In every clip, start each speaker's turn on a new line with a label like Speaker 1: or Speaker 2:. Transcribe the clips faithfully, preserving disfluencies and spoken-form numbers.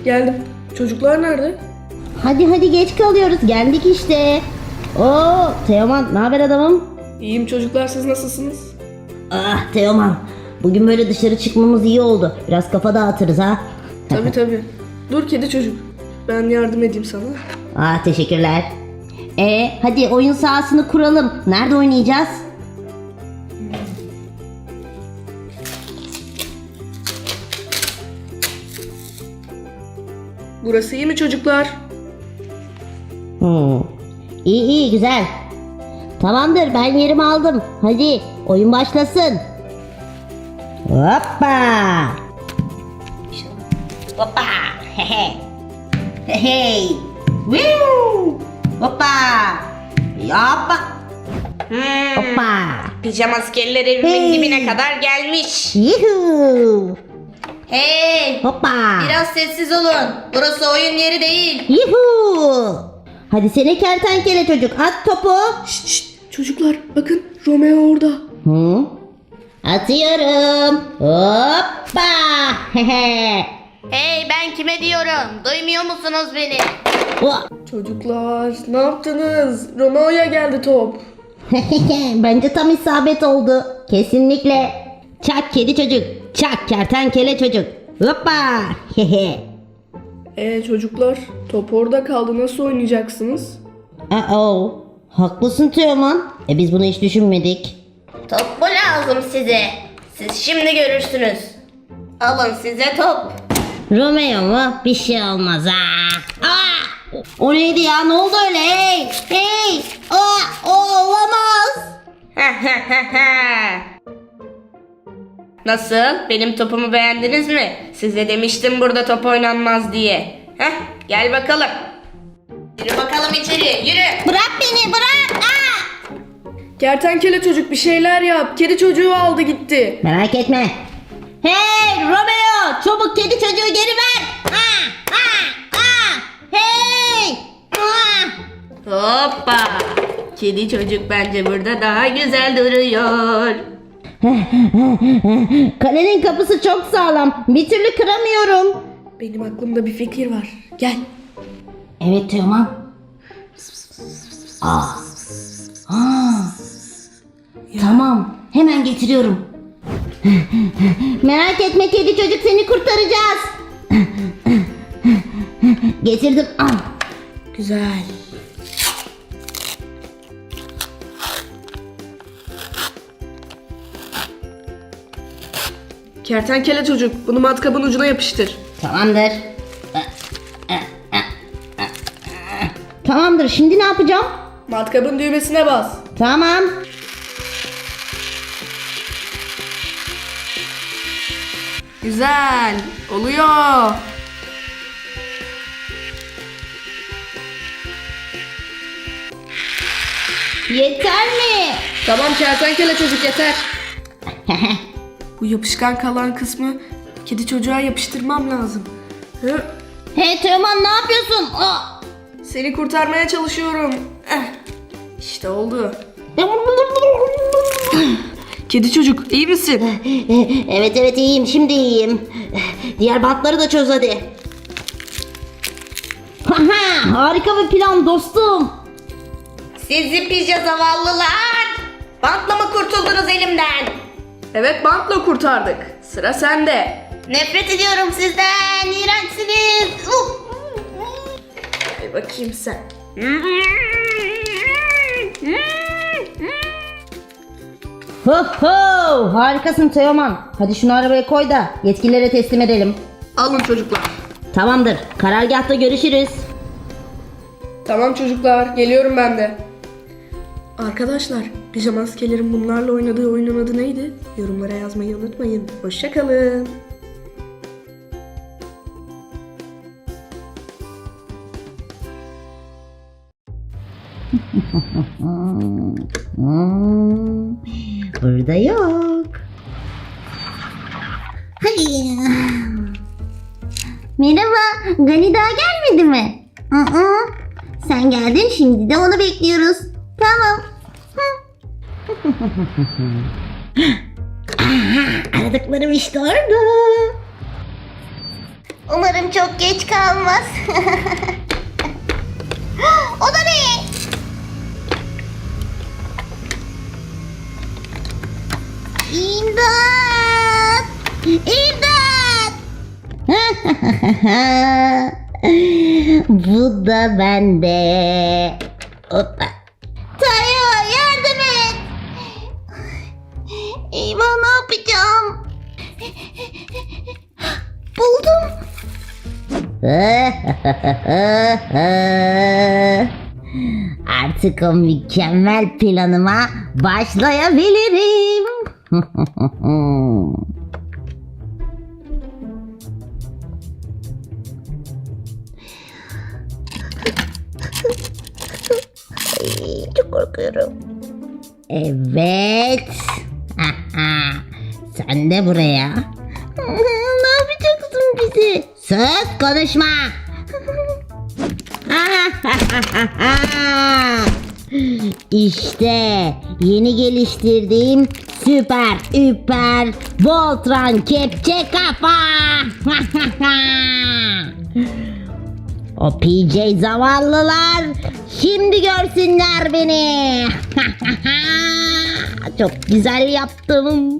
Speaker 1: Geldim. Çocuklar nerede?
Speaker 2: Hadi hadi geç kalıyoruz. Geldik işte. Oo Teoman, ne haber adamım?
Speaker 1: İyiyim çocuklar, siz nasılsınız?
Speaker 2: Ah Teoman, bugün böyle dışarı çıkmamız iyi oldu. Biraz kafa dağıtırız ha.
Speaker 1: Tabii tabii. Dur kedi çocuk. Ben yardım edeyim sana.
Speaker 2: Ah teşekkürler. E hadi oyun sahasını kuralım. Nerede oynayacağız?
Speaker 1: Burası iyi mi çocuklar?
Speaker 2: Hmm. İyi iyi güzel. Tamamdır, ben yerimi aldım. Hadi oyun başlasın. Hoppa. Hoppa. Hehe. Hey. Woo. Hoppa. Hoppa.
Speaker 3: Hmm,
Speaker 2: Hoppa.
Speaker 3: pijama askerler evimin
Speaker 2: Hey.
Speaker 3: dibine kadar gelmiş.
Speaker 2: Yuhu.
Speaker 3: Hey,
Speaker 2: Hoppa.
Speaker 3: biraz sessiz olun. Burası oyun yeri değil.
Speaker 2: Yuhu. Hadi seni kertenkele çocuk, at topu.
Speaker 1: Şşt şşt. Çocuklar bakın, Romeo orada.
Speaker 2: Hı? Atıyorum. Hoppa. Hehe.
Speaker 3: Hey, ben kime diyorum? Duymuyor musunuz beni?
Speaker 2: Oh.
Speaker 1: Çocuklar ne yaptınız? Romeo'ya geldi top.
Speaker 2: Bence tam isabet oldu. Kesinlikle. Çak kedi çocuk. Çak kertenkele çocuk. Hoppa. Hehe.
Speaker 1: Ee çocuklar, top orada kaldı, nasıl oynayacaksınız?
Speaker 2: Uh-oh. Haklısın Teoman. E biz bunu hiç düşünmedik.
Speaker 3: Top mu lazım size? Siz şimdi görürsünüz. Alın size top.
Speaker 2: Romeo mu? Bir şey olmaz ha. Aa! O neydi ya? Ne oldu öyle? Hey! Hey! Aa! O olamaz.
Speaker 3: Nasıl? Benim topumu beğendiniz mi? Size demiştim burada top oynanmaz diye. Heh, gel bakalım. Yürü bakalım içeri, yürü.
Speaker 2: Bırak beni, bırak. Aa!
Speaker 1: Kertenkele çocuk bir şeyler yap. Kedi çocuğu aldı gitti.
Speaker 2: Merak etme. Hey Romeo! Çabuk kedi çocuğu geri ver. Aa! Aa! Aa! Hey! Aa!
Speaker 3: Hoppa. Kedi çocuk bence burada daha güzel duruyor.
Speaker 2: Kalenin kapısı çok sağlam. Bir türlü kıramıyorum.
Speaker 1: Benim aklımda bir fikir var. Gel.
Speaker 2: Evet Teoman. Aa. Aa. Tamam. Hemen getiriyorum. Merak etme kedi çocuk, seni kurtaracağız. Getirdim. Al.
Speaker 1: Güzel. Kertenkele çocuk, bunu matkabın ucuna yapıştır.
Speaker 2: Tamamdır. Tamamdır. Şimdi ne yapacağım?
Speaker 1: Matkabın düğmesine bas.
Speaker 2: Tamam.
Speaker 1: Güzel. Oluyor.
Speaker 2: Yeter mi?
Speaker 1: Tamam kertenkele çocuk, yeter. Bu yapışkan kalan kısmı kedi çocuğa yapıştırmam lazım. Hı?
Speaker 2: Hey Teoman, ne yapıyorsun? Aa!
Speaker 1: Seni kurtarmaya çalışıyorum. Eh, İşte oldu. Kedi çocuk, iyi misin?
Speaker 2: Evet evet iyiyim, şimdi iyiyim. Diğer bantları da çöz hadi. Haha, harika bir plan dostum.
Speaker 3: Sizi pija zavallılar. Bantla mı kurtuldunuz elimden?
Speaker 1: Evet, bantla kurtardık. Sıra sende.
Speaker 3: Nefret ediyorum sizden. İğrençsiniz. Uf.
Speaker 1: Hadi bakayım sen.
Speaker 2: Ho ho, harikasın Teoman. Hadi şunu arabaya koy da yetkililere teslim edelim.
Speaker 1: Alın çocuklar.
Speaker 2: Tamamdır, karargahta görüşürüz.
Speaker 1: Tamam çocuklar, geliyorum ben de. Arkadaşlar, pijama askelerin bunlarla oynadığı oyunun adı neydi? Yorumlara yazmayı unutmayın. Hoşça kalın.
Speaker 2: Hmm, burada yok. Hadi. Merhaba, Gani daha gelmedi mi? Aa, sen geldin, şimdi de onu bekliyoruz. Tamam. Aha, aradıklarım işte orada. Umarım çok geç kalmaz. O da ne? İmdat! İmdat! Bu da bende. Hoppa. Tayo yardım et. Eyvah ne yapacağım? Buldum. Artık o mükemmel planıma başlayabilirim. Ay, çok korkuyorum. Evet. Sen de buraya. Ne yapacaksın bizi? Sus konuşma. İşte yeni geliştirdiğim süper üper Voltron kepçe kafa. O P J zavallılar şimdi görsünler beni. Çok güzel yaptım.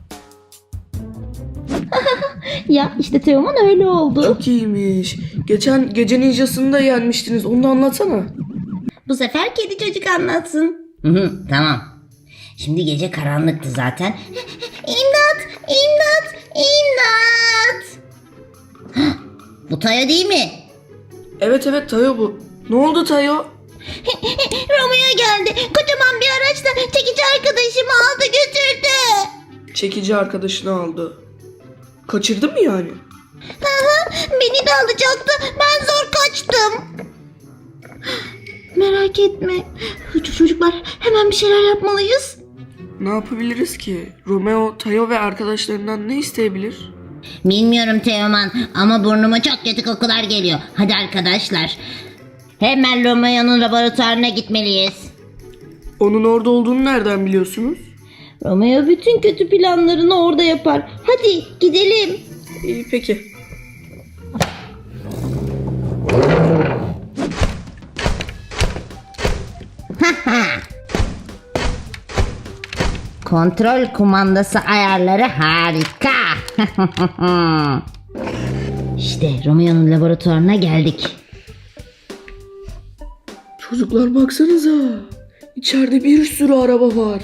Speaker 2: Ya işte Teoman öyle oldu.
Speaker 1: Çok iyiymiş. Geçen gece ninjasını da yenmiştiniz. Onu da anlatsana.
Speaker 2: Bu sefer kedi çocuk anlatsın. Hı hı, tamam. Şimdi gece karanlıktı zaten. İmdat! İmdat! İmdat! Bu Tayo değil mi?
Speaker 1: Evet evet Tayo bu. Ne oldu Tayo?
Speaker 2: Romeo geldi. Kocaman bir araçla çekici arkadaşımı aldı götürdü.
Speaker 1: Çekici arkadaşını aldı. Kaçırdı mı yani?
Speaker 2: Aha, beni de alacaktı. Ben zor kaçtım. Merak etme. Çocuklar hemen bir şeyler yapmalıyız.
Speaker 1: Ne yapabiliriz ki? Romeo, Tayo ve arkadaşlarından ne isteyebilir?
Speaker 2: Bilmiyorum Teoman ama burnuma çok kötü kokular geliyor. Hadi arkadaşlar. Hemen Romeo'nun laboratuvarına gitmeliyiz.
Speaker 1: Onun orada olduğunu nereden biliyorsunuz?
Speaker 2: Romeo bütün kötü planlarını orada yapar. Hadi gidelim.
Speaker 1: İyi peki.
Speaker 2: Kontrol kumandası ayarları harika. İşte Romeo'nun laboratuvarına geldik.
Speaker 1: Çocuklar baksanıza. İçeride bir sürü araba var.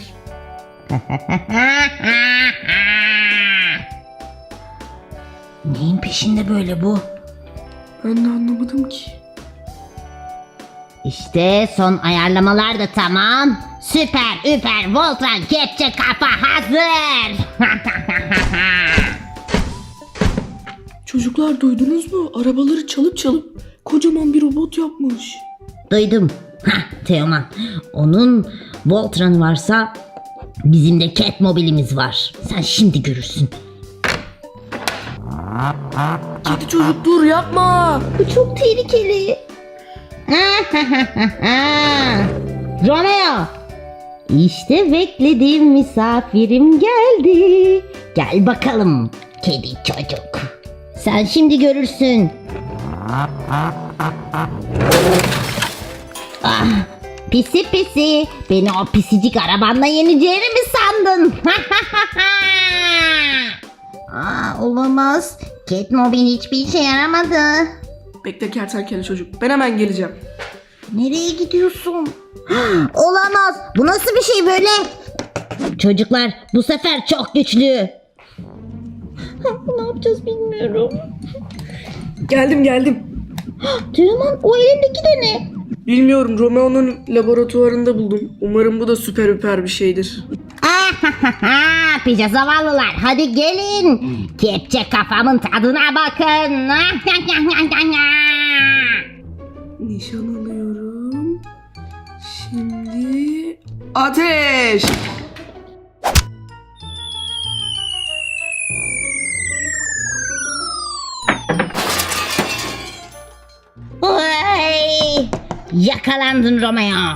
Speaker 2: Neyin peşinde böyle bu?
Speaker 1: Ben de anlamadım ki.
Speaker 2: İşte son ayarlamalar da tamam. Süper üper Voltron kepçe kafa hazır.
Speaker 1: Çocuklar duydunuz mu? Arabaları çalıp çalıp kocaman bir robot yapmış.
Speaker 2: Duydum. Hah Teoman. Onun Voltron'u varsa bizim de Catmobile'imiz var. Sen şimdi görürsün.
Speaker 1: Kedi çocuk dur yapma.
Speaker 2: Bu çok tehlikeli. Romeo. İşte beklediğim misafirim geldi. Gel bakalım kedi çocuk. Sen şimdi görürsün. Ah, pisi pisi. Beni o pisicik arabanla yeneceğini mi sandın? Aa, olamaz. Catmobile hiçbir işe yaramadı.
Speaker 1: Bekle kertenkele çocuk. Ben hemen geleceğim.
Speaker 2: Nereye gidiyorsun? Olamaz. Bu nasıl bir şey böyle? Çocuklar bu sefer çok güçlü. Ne yapacağız bilmiyorum.
Speaker 1: Geldim geldim.
Speaker 2: Teoman o elindeki de ne?
Speaker 1: Bilmiyorum, Romeo'nun laboratuvarında buldum. Umarım bu da süper üper bir şeydir.
Speaker 2: Pija zavallılar hadi gelin. Kepçe kafamın tadına bakın.
Speaker 1: Nişan alıyorum. Şimdi ateş!
Speaker 2: Oy! Yakalandın Romeo.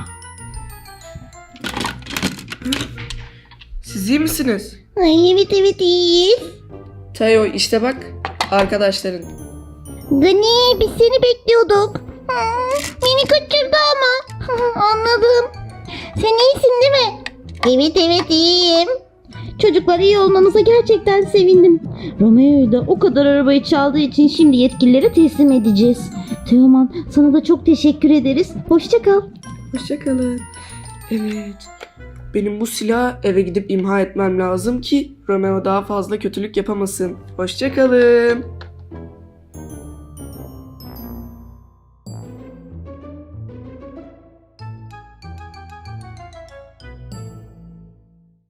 Speaker 1: Siz iyi misiniz?
Speaker 2: Ay evet evet iyiyiz.
Speaker 1: Tayo işte bak arkadaşların.
Speaker 2: Gani, biz seni bekliyorduk. Hmm, beni kaçırdı ama. Anladım. Sen iyisin değil mi? Evet evet iyiyim. Çocuklar, iyi olmanıza gerçekten sevindim. Romeo'yu da o kadar arabayı çaldığı için şimdi yetkililere teslim edeceğiz. Teoman, sana da çok teşekkür ederiz. Hoşça kal.
Speaker 1: Hoşçakalın. Evet. Benim bu silahı eve gidip imha etmem lazım ki Romeo daha fazla kötülük yapamasın. Hoşçakalın.